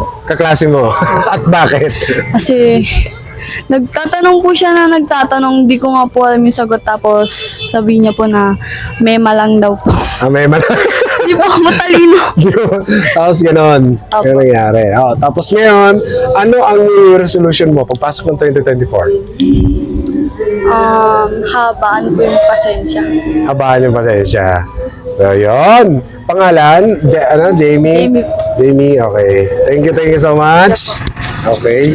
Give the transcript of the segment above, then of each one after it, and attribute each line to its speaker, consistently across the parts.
Speaker 1: Kaklase mo. At bakit?
Speaker 2: Kasi nagtatanong po siya na nagtatanong, di ko nga po alam yung sagot, tapos sabi niya po na mema lang daw po.
Speaker 1: May man.
Speaker 2: Di po ako matalino.
Speaker 1: Tapos ganon.
Speaker 2: Opo.
Speaker 1: Yung nangyari. Tapos ngayon, ano ang New Year resolution mo pagpasok ng 2024?
Speaker 2: Habaan po yung pasensya.
Speaker 1: Habaan yung pasensya. So, yun. Pangalan? Jamie?
Speaker 2: Jamie.
Speaker 1: Jamie, okay. Thank you so much. Okay.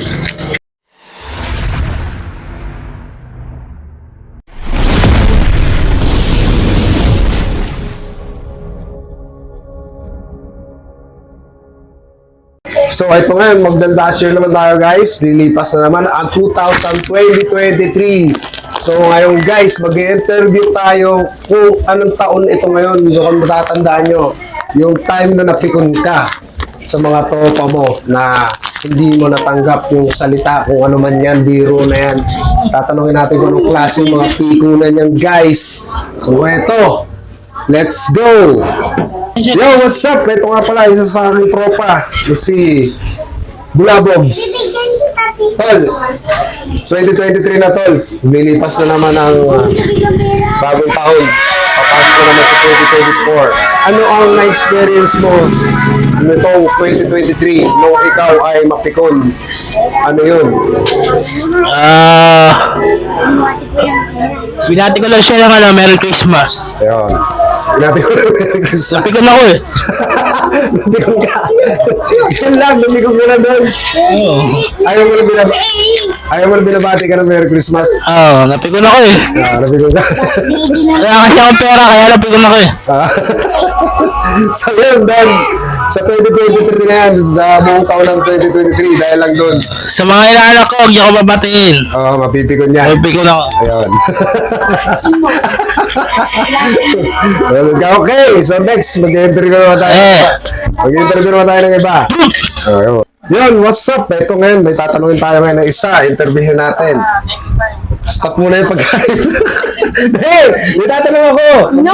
Speaker 1: So, ito ngayon, magdaldas year naman tayo guys. Lilipas na naman ang 2023. So, ngayon guys, mag-interview tayo kung anong taon ito ngayon. Kung matatandaan nyo, yung time na napikon ka sa mga tropa mo na hindi mo natanggap yung salita, kung ano man yan, biro na yan. Tatanungin natin kung anong klase yung mga pikunan yan guys. So, ito. Let's go! Yo, what's up? Ito nga pala, isa sa aking tropa. Si Bulabogs. Tol, 2023 na tol. Lumilipas na naman ang bagong taon. Papasok na naman sa 2024. Ano ang na-experience mo nitong 2023 nung ikaw ay mapikon? Ano yun?
Speaker 3: Binati ko lang siya ng Merry Christmas.
Speaker 1: Ayun. Sinabi ko na Merry Christmas.
Speaker 3: Napikon ako eh.
Speaker 1: Napikon ka. Yun lang, napikon ka na doon. Ayaw mo na binabati ka ng Merry Christmas.
Speaker 3: Oo, napikon ako eh.
Speaker 1: Napikon ka.
Speaker 3: Wala kasi akong pera, kaya napikon ako eh.
Speaker 1: So yun, Don. Sa 2023 na yan, buong taon ng 2023, dahil lang doon.
Speaker 3: Sa mga inaanak ko, huwag niyo ako babatiin.
Speaker 1: Mapipikon niya.
Speaker 3: Napikon ako.
Speaker 1: Ayun. Okay, so next, mag-interview naman tayo. Mag-interview naman tayo ng iba. Ayun. Yun, what's up? Ito ngayon, may tatanungin tayo ngayon ng isa. Interviewin natin. Stop muna yung pagkain. Hey, may tatanong ako.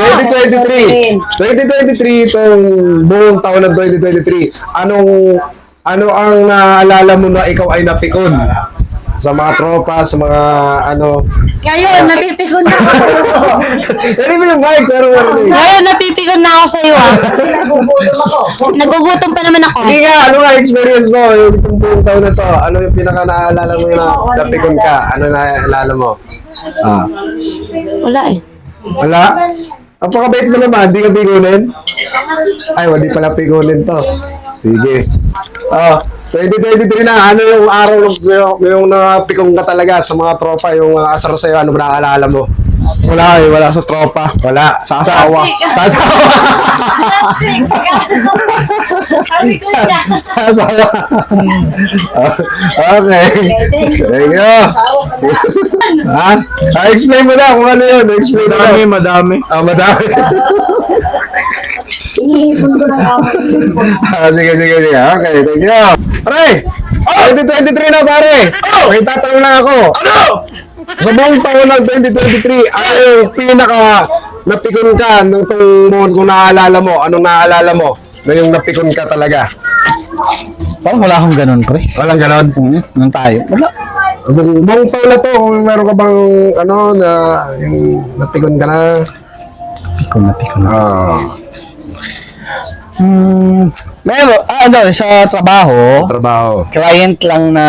Speaker 1: 2023, itong buong taon ng 2023, ano ang naalala mo na ikaw ay napikon? Sa mga tropa, sa mga
Speaker 2: Ngayon, napipikon na ako.
Speaker 1: Hindi mo yung mic, pero
Speaker 2: Ngayon, napipikon na ako sa iyo. Nagugutom pa naman ako.
Speaker 1: Hindi nga, ano nga experience mo yung itong buong taon na to? Ano yung pinaka naaalala mo na napikon ka? Ano naaalala mo?
Speaker 2: Wala eh.
Speaker 1: Wala? Ang pakabait mo naman, di ka pikunin? Ay, hindi pala pikunin to. Sige. 2023 na, ano yung araw yung napikong ka talaga sa mga tropa, yung asar sa'yo, ano ba naaalala mo?
Speaker 3: Wala eh, wala sa tropa.
Speaker 1: Wala. Sa asawa. Sa asawa. Sa asawa. Okay. Thank you. Ha? Explain mo na kung ano yun. Explain mo na.
Speaker 3: Madami.
Speaker 1: Madami. Sige. Okay, thank you. Pare! 2023 na pare! May tatanong lang ako.
Speaker 3: Ano?
Speaker 1: Sa buong taon ng 2023, ano yung pinaka napikon ka nung itong buwan kung naaalala mo? Anong naaalala mo na yung napikon ka talaga?
Speaker 3: Parang wala akong ganun, pre.
Speaker 1: Walang ganon?
Speaker 3: Nang tayo. Wala.
Speaker 1: Buong taon na to, kung meron ka bang na yung napikon ka na?
Speaker 3: Napikon. Meron, sa trabaho, client lang na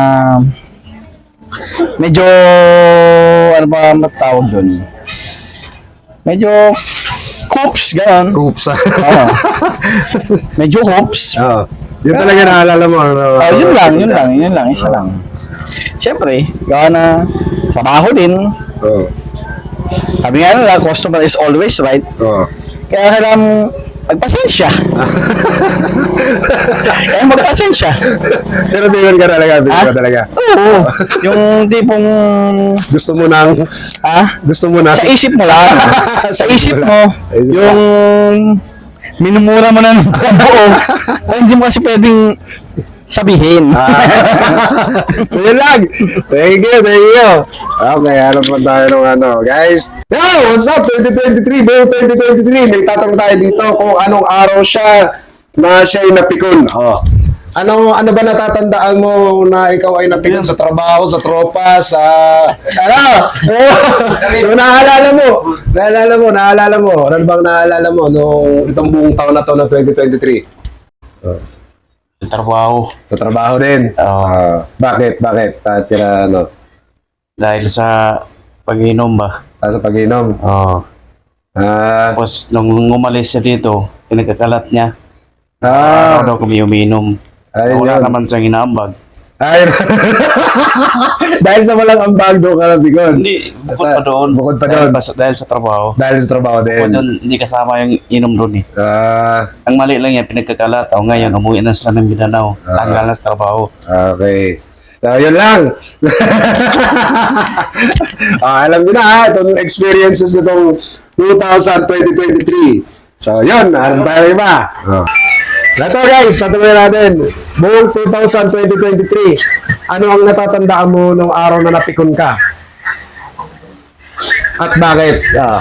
Speaker 3: medyo, ano ba matawag doon? Medyo hoops, gano'n.
Speaker 1: Oops.
Speaker 3: Medyo hoops.
Speaker 1: Yun talaga naalala mo.
Speaker 3: Yun lang, isa lang. Siyempre, gawa na trabaho din. Sabi nga nila, customer is always right. Kaya kailangan magpasensya. Kaya magpasensya.
Speaker 1: Pero bigon ka talaga,
Speaker 3: Oo. Yung tipong
Speaker 1: Gusto mo nang,
Speaker 3: sa isip mo lang. Sa isip mo, yung minumura mo na ng buo. Hindi mo kasi pwedeng sabihin.
Speaker 1: So yun lang. Thank you. Okay, ano pa tayo ng guys? Yo, what's up? 2023, buong 2023. May tatanong tayo dito kung anong araw siya na siya'y napikon. ano ba natatandaan mo na ikaw ay napikon sa trabaho, sa tropa, sa ano? Yung naalala mo. Ano bang naalala mo nung itong buong taon na to na 2023?
Speaker 4: Trabaho.
Speaker 1: Sa trabaho din. Bakit? Tira ano?
Speaker 4: Dahil sa pag-inom ba?
Speaker 1: Sa pag-inom.
Speaker 4: Oo. Tapos nung umalis siya dito, pinagkakalat niya. Araw daw kami uminom. Wala
Speaker 1: Ayun.
Speaker 4: naman siyang inaambag.
Speaker 1: Ayun. Dahil sa walang ambag doon ka napikon.
Speaker 4: Hindi, bukod pa doon.
Speaker 1: Bukod pa doon.
Speaker 4: Dahil sa trabaho.
Speaker 1: Dahil sa trabaho
Speaker 4: Bukod
Speaker 1: din.
Speaker 4: doon, hindi kasama yung inom doon eh. Ang mali lang yan, pinagkakalat. O ngayon, umuwi na sila ng Mindanao. Tanggal na sa trabaho.
Speaker 1: Okay. So, yun lang. Alam niyo na ha, itong experiences nitong 2023. So, yun. Alam tayo iba. Ito guys, natuloy natin. Buong 2023, ano ang natatandaan mo nung araw na napikon ka? At bakit?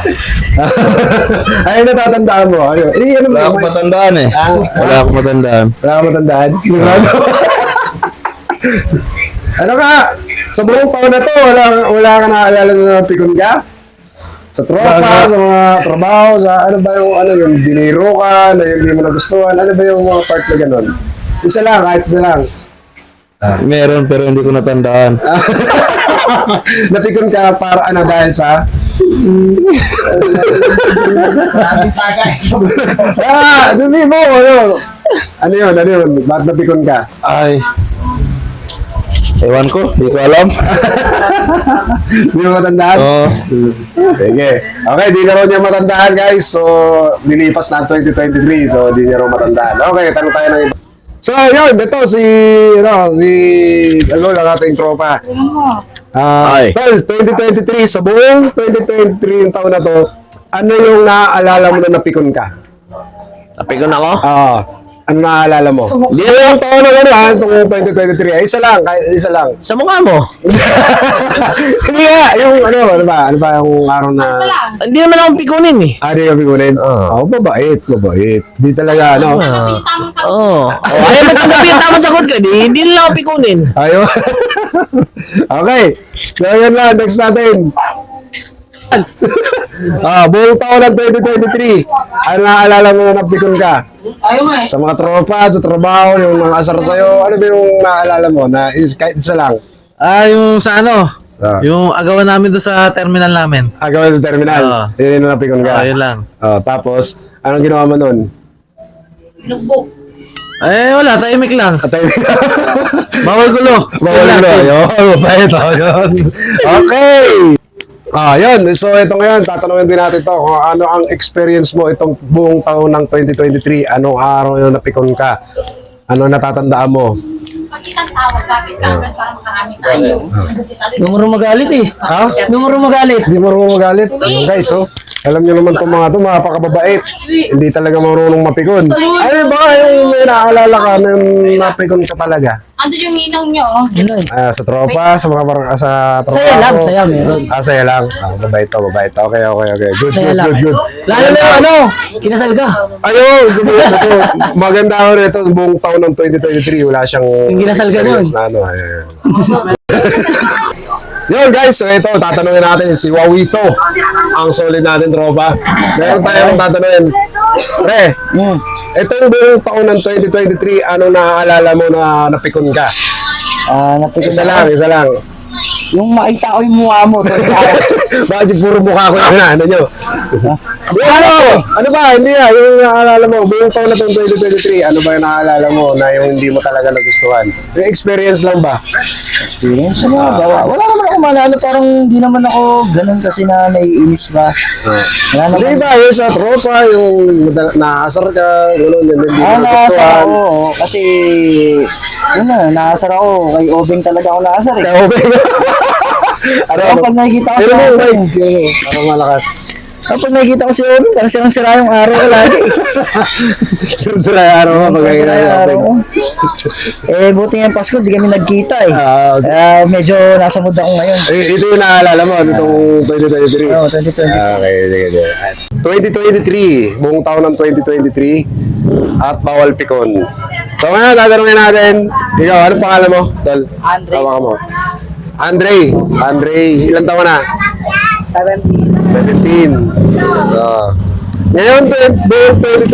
Speaker 1: Ay, natatandaan mo. Ano?
Speaker 3: Wala akong matandaan eh. Wala akong matandaan.
Speaker 1: Wala ka matandaan? Sigurado? Ano ka? Sa buong taon na to, wala ka naaalala na napikon ka? Sa tropa, sa mga trabaho, sa ano ba yung dinero ka, na yung hindi mo nagustuhan, ano ba yung mga part na gano'n? Isa lang, kahit isa lang.
Speaker 3: Meron pero hindi ko natandaan.
Speaker 1: Napikon ka para ano dahil sa? Dumi mo, ano? Ano yun? Bakit napikon ka?
Speaker 3: Ay. Ewan ko, hindi ko alam.
Speaker 1: Hindi mo matandaan?
Speaker 3: Oo.
Speaker 1: Sige. Okay, di na raw niya matandaan guys. So, nilipas na ang 2023. So, di niya raw matandaan. Okay, tanong tayo ng iba. So, yun. Ito ano lang ating tropa.
Speaker 3: Ay.
Speaker 1: Well, 2023, sa buong 2023 yung taon na to, ano yung naaalala mo na napikon ka?
Speaker 3: Napikon ako?
Speaker 1: Ano naaalala mo? Hindi yung taon na gano'n, itong 2023. Ay, isa lang, kahit isa lang.
Speaker 3: Sa mukha mo?
Speaker 1: Hindi nga, yung ano ba yung araw na...
Speaker 3: Hindi naman akong pikunin eh.
Speaker 1: Di ka pikunin? Mabait. Di talaga, ano?
Speaker 3: Oo. Ayaw mo tanggapin yung tamang sagot ka, hindi nila ako pikunin.
Speaker 1: Ayaw. Okay. So, yun lang. Next natin. Buong taon ng 2023. Ano naaalala mo na napikon ka? Sa mga tropa, sa trabaho, yung mga asar sa'yo. Ano ba yung naaalala mo? Na kahit isa lang.
Speaker 5: Yung sa ano?
Speaker 1: Ah.
Speaker 5: Yung agawan namin doon sa terminal namin.
Speaker 1: Gawin sa terminal.
Speaker 5: Oo.
Speaker 1: Yun yung napikon ka.
Speaker 5: Yun lang.
Speaker 1: Tapos, anong ginawa mo nun?
Speaker 5: Wala, tahimik lang.
Speaker 1: Atay.
Speaker 5: Bawal gulo.
Speaker 1: Bawal
Speaker 5: Yun
Speaker 1: na.
Speaker 5: lang.
Speaker 1: Ayun, mabait. Ayun. Okay. Yun. So, ito ngayon, tatanungin din natin to kung ano ang experience mo itong buong taon ng 2023. Anong araw yung napikon ka? Ano natatandaan mo?
Speaker 6: Pag isang tawag, kapit kagad para makarami tayo.
Speaker 5: Numero magalit eh.
Speaker 1: Ha?
Speaker 5: Numero magalit.
Speaker 1: Hindi marunong magalit. Ayun, guys, alam niyo naman itong mga ito, mapakababait. Hindi talaga marunong mapikon. Ay, baka yung may naaalala ka na napikon ka talaga.
Speaker 6: Ando yung ninong nyo.
Speaker 1: Sa tropa, sa mga sa tropa.
Speaker 5: Saya lang, saya meron.
Speaker 1: Saya lang. Mabait to. Okay. Good.
Speaker 5: Lalo na yung ano, kinasal ka.
Speaker 1: Ayun, subukan ito. Maganda ako rito, buong taon ng 2023, wala siyang
Speaker 5: Yung ginasal ka nun.
Speaker 1: experience na ano. Ayun. Yun guys, so ito, tatanungin natin si Wawito. Ang solid natin tropa. Meron tayong tatanungin. Pre, itong buong taon ng 2023, anong naaalala mo na napikon ka?
Speaker 3: Napikon
Speaker 1: Isa lang.
Speaker 3: Yung makita ko yung mukha mo.
Speaker 1: Bakit puro mukha ko yung ano nyo? Ano ba? Hindi yung naaalala mo, buong taon na itong 2023, ano ba yung naaalala mo na yung hindi mo talaga nagustuhan? Yung experience lang ba?
Speaker 3: Experience na wala naman ako maalala, parang hindi naman ako ganun kasi na naiinis ba. Wala
Speaker 1: Hindi
Speaker 3: naman.
Speaker 1: ba, yung sa tropa, yung naasar ka, gano'n, hindi mo
Speaker 3: Naasar
Speaker 1: nagustuhan.
Speaker 3: ako, kasi yun na, naasar ako, kay Obeng talaga ako naasar eh.
Speaker 1: Kaya okay ba? Ano?
Speaker 3: Pag nakikita ko si
Speaker 1: Ano mo,
Speaker 3: Obeng,
Speaker 1: Mike? Parang malakas.
Speaker 3: kapag nakikita ko si Obeng, parang silang sira yung araw ko lagi.
Speaker 1: Sira yung araw mo, pag
Speaker 3: Parang sira yung araw ko.
Speaker 1: nakikita.
Speaker 3: Buti ngayong Pasko, di kami nagkita eh.
Speaker 1: Okay.
Speaker 3: Kaya medyo nasa mood ako ngayon.
Speaker 1: Ito yung naaalala mo, itong 2023.
Speaker 3: Oo, 2020.
Speaker 1: Okay, sige. 2023, buong taon ng 2023, at bawal pikon. So ngayon, tatanungin natin, ikaw, anong pangalan mo? Tol,
Speaker 2: Andre.
Speaker 1: tawakan mo. Andre, ilang taon na? 17. Ngayon, buong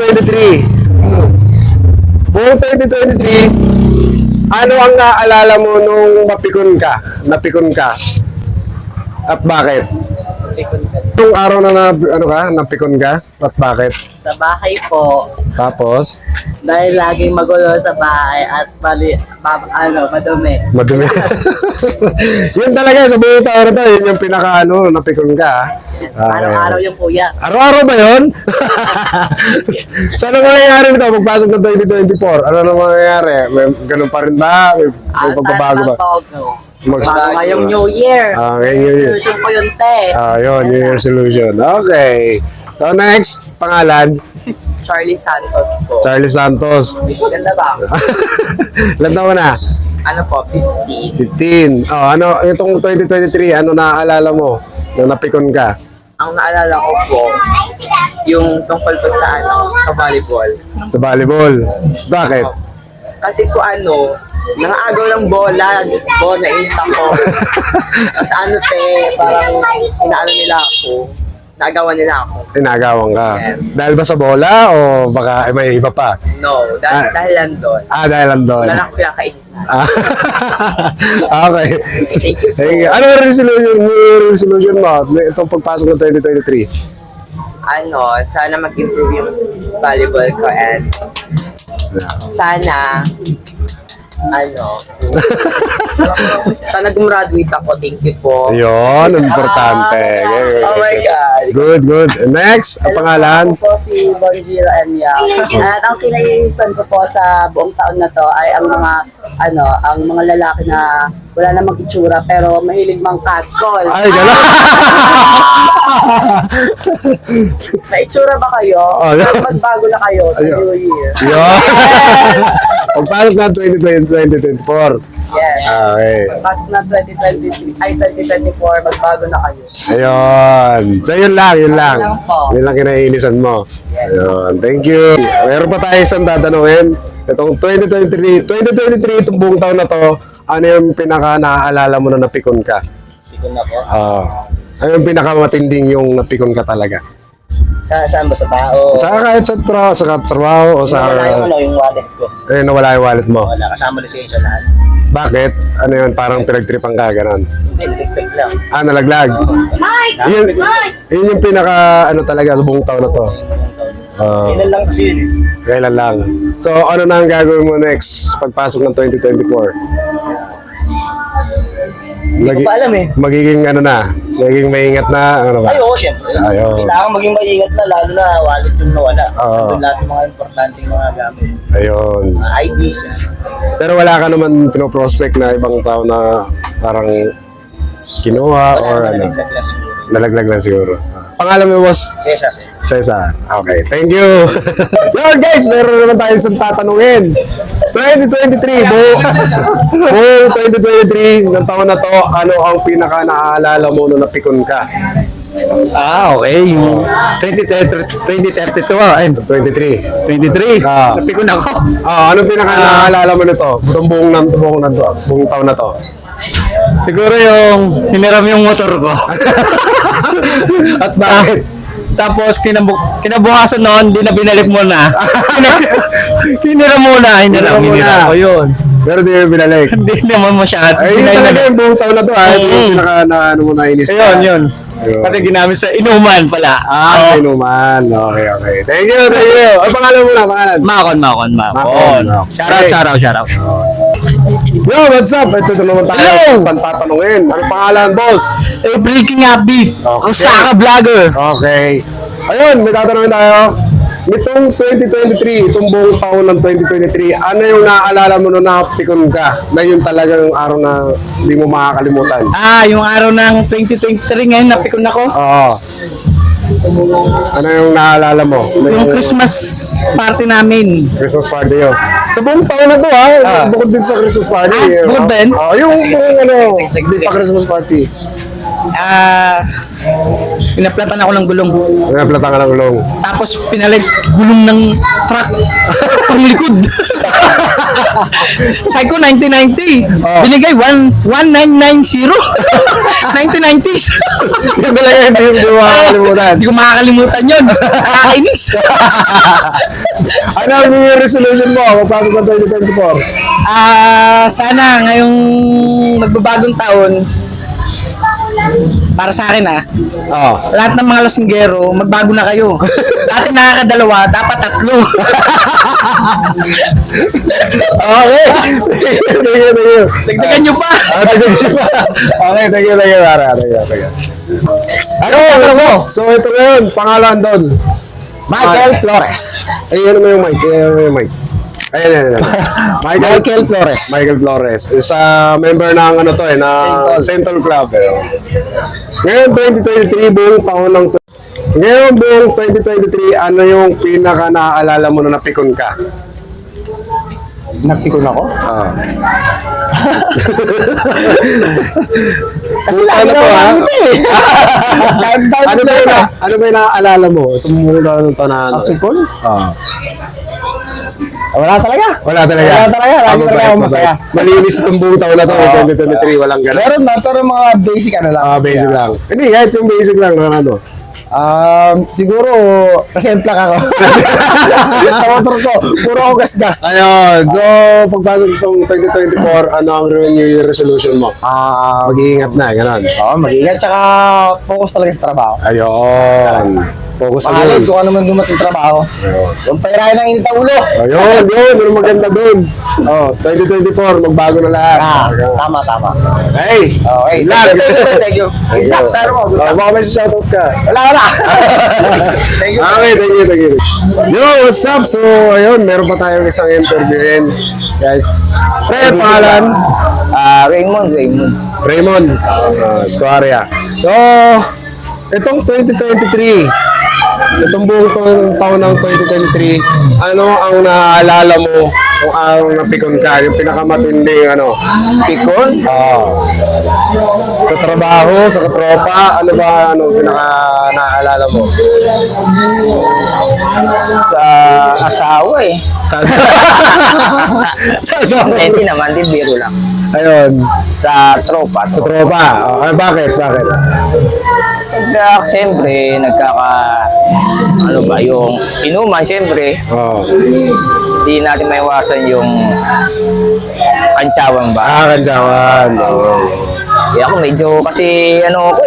Speaker 1: 2023, ano ang naalala mo nung napikon ka? At bakit? Nung araw na napikon ka? At bakit?
Speaker 7: Sa bahay po,
Speaker 1: Tapos,
Speaker 7: dahil laging magulo sa bahay at madumi.
Speaker 1: madumi. Yun talaga, sa buong taon na to, yun yung napikon ka.
Speaker 7: Araw-araw yung kuya.
Speaker 1: Araw-araw ba yun? So, ano mangyayari nito? Magpasok ng 2024. Ano nang mangyayari? May ganun pa rin ba? May pagbabago ba?
Speaker 7: Ngayong New Year.
Speaker 1: Ngayong New Year.
Speaker 7: Resolution ko yun, te.
Speaker 1: Yun, New Year resolution. Okay. So, next, pangalan,
Speaker 7: Charlie Santos po.
Speaker 1: Charlie Santos.
Speaker 7: Ganda ba?
Speaker 1: Ilan taon na?
Speaker 7: Ano po, 50.
Speaker 1: 15. Itong 2023, ano naaalala mo? Nung napikon ka?
Speaker 7: Ang naalala ko po, yung tungkol po sa volleyball.
Speaker 1: Sa volleyball. Bakit?
Speaker 7: Kasi po nangaagaw ng bola, Diyos ko, nainis ako. Tapos parang inaano nila ako. Nagawa nila ako.
Speaker 1: Inagawang ka.
Speaker 7: Yes.
Speaker 1: Dahil ba sa bola o baka may iba pa?
Speaker 7: No, dahil lang doon.
Speaker 1: Dahil lang doon.
Speaker 7: Wala na akong pinakainisan.
Speaker 1: Okay.
Speaker 7: Thank you so
Speaker 1: Thank you. Ano ang resolution mo? Itong pagpasok ng 2023?
Speaker 7: Sana mag-improve yung volleyball ko and sana sana gumraduate ako. Thank you po.
Speaker 1: Yun, ang importante.
Speaker 7: Oh my God.
Speaker 1: Good. Next, ang pangalan?
Speaker 8: Ako po si Bonjiro Emya. At ang kinaiinisan ko po sa buong taon na to ay ang mga lalaki na wala namang itsura pero mahilig mang catcall.
Speaker 1: Ay, gano'n.
Speaker 8: May itsura ba kayo?
Speaker 1: Oh, yeah.
Speaker 8: Pero magbago na kayo sa New Year.
Speaker 1: Yun. Pagpasok ng 2024.
Speaker 8: Yes.
Speaker 1: Okay.
Speaker 8: Pasok na 2024, magbago na kayo.
Speaker 1: Ayun. So, yun lang.
Speaker 8: Yun lang po.
Speaker 1: Yun lang kinainisan mo. Ayun. Thank you. Meron pa tayo isang tatanungin. Itong 2023, itong buong taon na to, ano yung pinaka naaalala mo na napikon ka?
Speaker 3: Sikon ako.
Speaker 1: Ano yung pinakamatinding yung napikon ka talaga?
Speaker 3: Saan ba? Sa tao?
Speaker 1: Kahit sa trabaho o sa...
Speaker 3: yung wallet ko.
Speaker 1: Nawala yung wallet mo.
Speaker 3: Wala, kasama lisensya lahat.
Speaker 1: Bakit? Ano yun? Parang pinagtripan ka, ganon.
Speaker 3: Hindi, nagpeg lang.
Speaker 1: Nalaglag. Yun yung pinaka, talaga sa buong taon na to.
Speaker 3: Kailan lang kasi yun.
Speaker 1: Kailan lang. So, ano na ang gagawin mo next pagpasok ng 2024?
Speaker 3: Hindi ko pa alam eh.
Speaker 1: Magiging magiging maingat na, ba?
Speaker 3: Ay, oo, syempre.
Speaker 1: Ayun.
Speaker 3: Kailangan maging maingat na, lalo na wallet yung nawala.
Speaker 1: Oo.
Speaker 3: Nandun lahat yung mga importanteng mga gamit.
Speaker 1: Ayun.
Speaker 3: Mga IDs.
Speaker 1: Pero wala ka naman pinoprospect na ibang tao na parang kinuha or
Speaker 3: Nalaglag lang siguro.
Speaker 1: nalaglag lang siguro. Pangalan mo, boss?
Speaker 3: Cesar.
Speaker 1: Cesar. Okay, thank you. Yun guys, meron naman tayo isang tatanungin. 2023, buong 2023, ng taon na to, ano ang pinaka naaalala mo nung napikon ka?
Speaker 5: Okay. Yung 2032 ay
Speaker 1: 23.
Speaker 5: 23. Napikon ako.
Speaker 1: Anong pinaka naaalala mo nito? Buong taon na to.
Speaker 5: Siguro yung hiniram yung motor ko.
Speaker 1: At bakit?
Speaker 5: Tapos kinabukasan noon, di na binalik mo na. Hiniram muna ko yun.
Speaker 1: Pero di mo binalik.
Speaker 5: Hindi naman masyado.
Speaker 1: Ay, yun talaga yung buong taon na to. Ito yung pinaka na mo nainis ka.
Speaker 5: Yun. Kasi ginamit sa inuman pala.
Speaker 1: Inuman. Okay. Thank you. Ang pangalan mo na, pangalan?
Speaker 5: Makon.
Speaker 1: Makon.
Speaker 5: Shoutout.
Speaker 1: Yo, what's up? Ito naman tayo.
Speaker 5: Hello!
Speaker 1: Saan tatanungin? Anong pangalan, boss?
Speaker 5: Breaking upbeat. Ang Saka Vlogger.
Speaker 1: Okay. Ayun, may tatanungin tayo. Nitong 2023, itong buong taon ng 2023, ano yung naaalala mo nung napikon ka? Na yung talagang araw na hindi mo makakalimutan?
Speaker 5: Yung araw ng 2023 ngayon, napikon ako.
Speaker 1: Oo. Ano yung naaalala mo?
Speaker 5: Yung Christmas party namin.
Speaker 1: Christmas party yun. Sa buong taon na to ha, bukod din sa Christmas party.
Speaker 5: bukod din?
Speaker 1: Yung buong hindi pa Christmas party.
Speaker 5: Pinaplatan ako ng gulong.
Speaker 1: Naplatan ka ng ulong.
Speaker 5: Tapos pinalit gulong ng truck pang likod. Sabi ko 1990. Binigay 1990. 1990s.
Speaker 1: Yun talaga hindi mo makakalimutan.
Speaker 5: Hindi ko makakalimutan yun. Nakakainis.
Speaker 1: Ano ang New Year resolution mo? Magpasok ng 2024.
Speaker 5: Sana ngayong magbabagong taon, para sa akin
Speaker 1: Oo.
Speaker 5: lahat ng mga lasinggero, magbago na kayo. Dati nakakadalawa, dapat 3.
Speaker 1: Okay. Thank you.
Speaker 5: Dagdagan nyo pa.
Speaker 1: Okay, thank you, Mara. Thank you. Ano? So, ito na yun. Pangalan doon.
Speaker 3: Michael Flores.
Speaker 1: Ayun mo yung mic. Ayan.
Speaker 3: Michael Flores.
Speaker 1: Michael Flores. Isa member ng ano to na Central Club. Ngayon 2023 buong taon ng Ngayon buong 2023 ano yung pinaka naaalala mo na napikon ka?
Speaker 3: Napikon ako?
Speaker 1: Kasi lagi na ito ano ba yung naaalala mo? Itong muna ng taon na ano?
Speaker 3: Napikon? Wala talaga.
Speaker 1: Wala talaga.
Speaker 3: Lagi talaga ako masaya.
Speaker 1: Malinis itong buong taon na to. 2023 walang ganun.
Speaker 3: Meron na, pero mga basic ano lang.
Speaker 1: Basic lang. Hindi, kahit yung basic lang na ano.
Speaker 3: Siguro, nasemplang ako. Sa motor ko, puro ako gas-gas.
Speaker 1: Ayun. So, pagpasok itong 2024, ano ang New Year resolution mo? Mag-iingat na, gano'n.
Speaker 3: Mag-ingat, tsaka focus talaga sa trabaho.
Speaker 1: Ayun. Focus sa
Speaker 3: Pangalad,
Speaker 1: yun.
Speaker 3: kung ano man dumating trabaho. Huwag pairahin ng init ang ulo.
Speaker 1: Ayun. Ano maganda dun? 2024, magbago na lahat.
Speaker 3: Tama.
Speaker 1: Hey!
Speaker 3: Okay,
Speaker 1: Lag!
Speaker 3: thank you. Good luck, sir mo. Good luck.
Speaker 1: Baka may shoutout ka.
Speaker 3: Wala. Thank you.
Speaker 1: Okay, thank you. Yo, what's up? So, ayun, meron pa tayong isang interviewin. Guys, pre, pangalan? Raymond. Storia. So, itong 2023, itong buong taon ng 2023, ano ang naaalala mo kung ang napikon ka? Yung pinakamatinding ano? Pikon? Sa trabaho, sa katropa, ano ba ano pinaka naaalala mo?
Speaker 9: Sa asawa
Speaker 1: Sa asawa.
Speaker 9: Hindi naman, di biro lang.
Speaker 1: Ayun,
Speaker 9: Sa tropa.
Speaker 1: sa tropa. Bakit?
Speaker 9: Siyempre, ano ba, yung inuman, siyempre, hindi natin maiwasan yung kantsawan ba?
Speaker 1: Kantsawan.
Speaker 9: Ako medyo kasi ako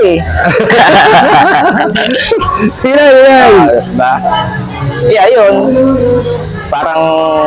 Speaker 1: Hinay.
Speaker 9: ba? Yeah, yun. Parang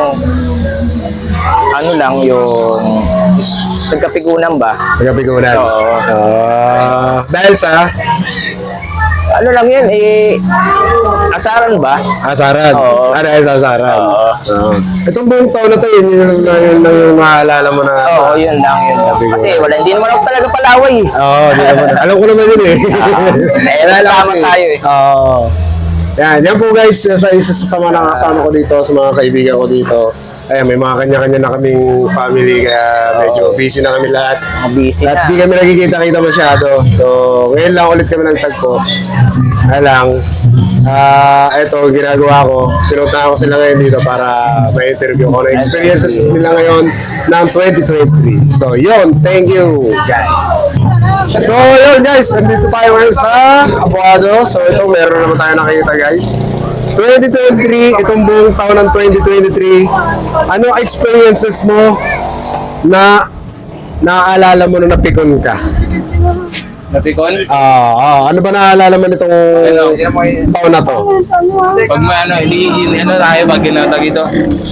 Speaker 9: ano lang yung nagkapigunan ba?
Speaker 1: Nagkapigunan.
Speaker 9: Oo.
Speaker 1: Dahil sa
Speaker 9: Ano lang yun, asaran ba?
Speaker 1: asaran.
Speaker 9: Oo.
Speaker 1: Dahil sa asaran.
Speaker 9: Oo.
Speaker 1: Itong buong taon na to, yun yung maalala mo na.
Speaker 9: Oo, yun lang. Kasi hindi naman ako talaga palaway.
Speaker 1: Oo, di naman. Alam ko naman yun eh.
Speaker 9: Nasama tayo eh.
Speaker 1: Oo. Yan po guys, sa isa sa mga nakasama ko dito, sa mga kaibigan ko dito. Ayan, may mga kanya-kanya na kaming family, kaya medyo busy na kami lahat.
Speaker 9: Busy
Speaker 1: At
Speaker 9: na.
Speaker 1: di kami nakikita-kita masyado. So, ngayon lang ulit kami nagtagpo. Alang, eto, ginagawa ko. Pinunta ko sila ngayon dito para may interview ko na experiences nila ngayon ng 2023. So, yun. Thank you, guys. So, yun guys. Nandito tayo ngayon sa Abuado. So, ito, meron naman tayo nakikita guys. 2023, itong buong taon ng 2023, ano experiences mo na naaalala mo na napikon ka?
Speaker 5: Napikon?
Speaker 1: Ano ba naaalala mo nitong taon na to?
Speaker 5: Pag tayo pag ginatag ito.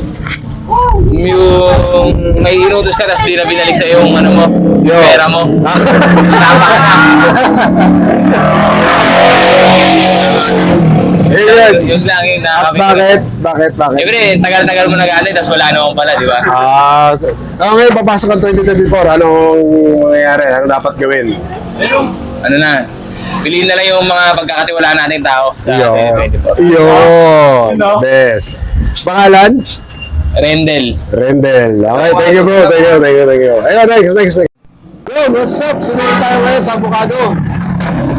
Speaker 5: Yung may inutos ka, tapos di na binalik sa yung pera mo. Tama ka na. Yun lang yung nakakapit.
Speaker 1: Bakit?
Speaker 5: Siyempre, tagal-tagal mo nagalit, tapos wala naman pala, di ba?
Speaker 1: Ngayon, papasok ang 2024. Anong mangyayari? Ano dapat gawin?
Speaker 5: Ano na? Piliin na lang yung mga pagkakatiwalaan nating tao sa 2024.
Speaker 1: Yun. Best. Pangalan?
Speaker 5: Rendel.
Speaker 1: Okay, thank you bro. Thank you. Ayun, next. Yo, what's up? Sunod tayo ngayon sa Avocado.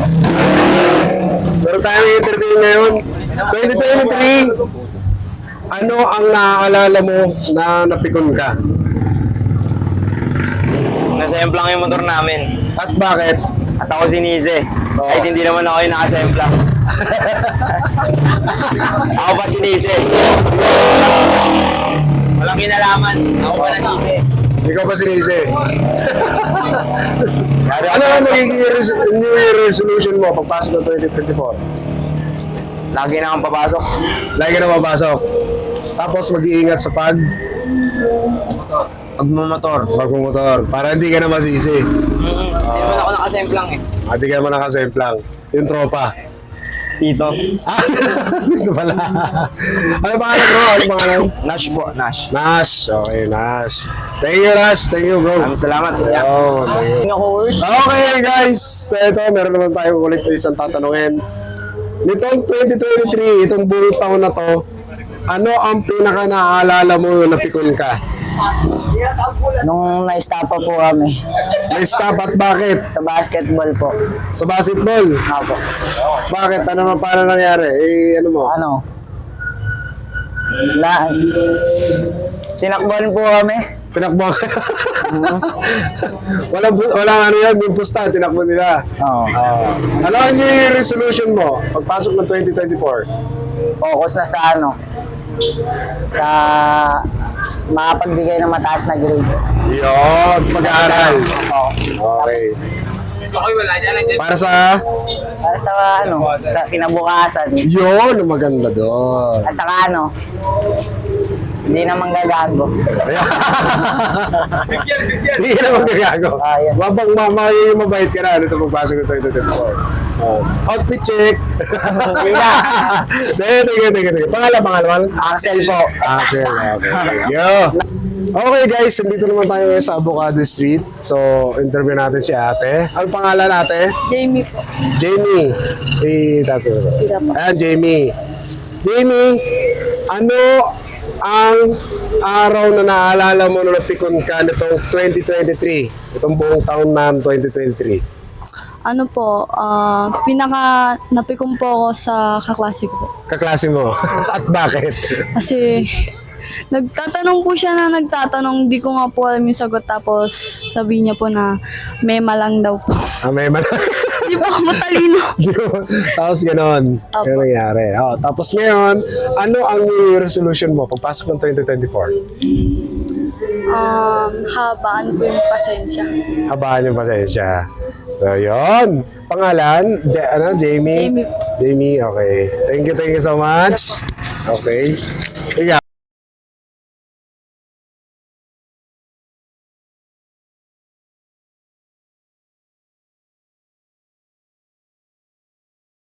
Speaker 1: Meron tayong interview ngayon. 2023. Ano ang naaalala mo na napikon ka?
Speaker 9: Nasemplang yung motor namin.
Speaker 1: At bakit?
Speaker 9: At ako sinisi. Kahit hindi naman ako yung nakasemplang. Ako pa sinisi. Walang kinalaman. Ako pa nasisi.
Speaker 1: Ikaw ba sinisi? Ano ang magiging New Year resolution mo pagpasok ng 2024?
Speaker 9: Lagi na akong papasok.
Speaker 1: Lagi na mapasok. Tapos mag-iingat sa
Speaker 9: Pagmumotor.
Speaker 1: pagmumotor para hindi ka na masisi.
Speaker 9: Hindi naman ako nakasemplang eh.
Speaker 1: At hindi ka naman nakasemplang. Yung tropa.
Speaker 9: Tito.
Speaker 1: Ah, ito pala. Ano pangalan bro? Ano pangalan?
Speaker 9: Nash po, Nash.
Speaker 1: Nash. Okay, Nash. Thank you, Nash. Thank you, bro.
Speaker 9: Maraming salamat.
Speaker 1: Oh, thank you. Okay, guys. So, ito, meron naman tayo ulit na isang tatanungin. Nitong 2023, itong buong taon na to, ano ang pinaka naaalala mo na pikon ka?
Speaker 8: Nung na-stop po kami
Speaker 1: May stop at bakit?
Speaker 8: sa basketball po.
Speaker 1: Sa basketball?
Speaker 8: Ako.
Speaker 1: Bakit? Ano naman paano nangyari? Eh, ano mo?
Speaker 8: Ano? Tinakbuhan po kami.
Speaker 1: Pinakbo ka? walang ano yan, yung pusta, tinakbo nila.
Speaker 8: Oo.
Speaker 1: Ano ang New Year resolution mo pagpasok ng 2024?
Speaker 8: Focus na sa ano? Sa makapagbigay ng mataas na grades.
Speaker 1: Yun, pag-aaral.
Speaker 8: Oo.
Speaker 1: Okay. Para sa...
Speaker 8: Para sa ano? Sa kinabukasan.
Speaker 1: Yun, maganda doon.
Speaker 8: At saka ano? Hindi naman gagago.
Speaker 1: Hindi ka naman gagago.
Speaker 8: Ayan.
Speaker 1: Mabait ka na nito pagpasok ng 2024. Outfit check.
Speaker 8: Hindi na.
Speaker 1: Teka. Pangalan.
Speaker 8: Axel po.
Speaker 1: Axel, okay. Thank you. Okay guys, nandito naman tayo ngayon sa Avocado Street. So, interview natin si ate. Ano pangalan ate?
Speaker 2: Jamie po.
Speaker 1: Jamie. Ayan, Jamie. Jamie, ano ang araw na naalala mo na napikon ka nitong 2023? Itong buong taon na 2023.
Speaker 2: Ano po, pinaka napikon po ako sa kaklase ko po.
Speaker 1: Kaklase mo. At bakit?
Speaker 2: Kasi nagtatanong po siya na nagtatanong, di ko nga po alam yung sagot, tapos sabi niya po na mema lang daw po.
Speaker 1: May man.
Speaker 2: Di po ako matalino.
Speaker 1: Tapos ganon.
Speaker 2: Opo.
Speaker 1: Ganun nangyari. Oh, tapos ngayon, ano ang New Year resolution mo pagpasok ng 2024?
Speaker 2: Habaan po yung pasensya.
Speaker 1: Habaan yung pasensya. So, yun. Pangalan? Jamie?
Speaker 2: Jamie po.
Speaker 1: Jamie, okay. Thank you so much. Okay. Ikaw?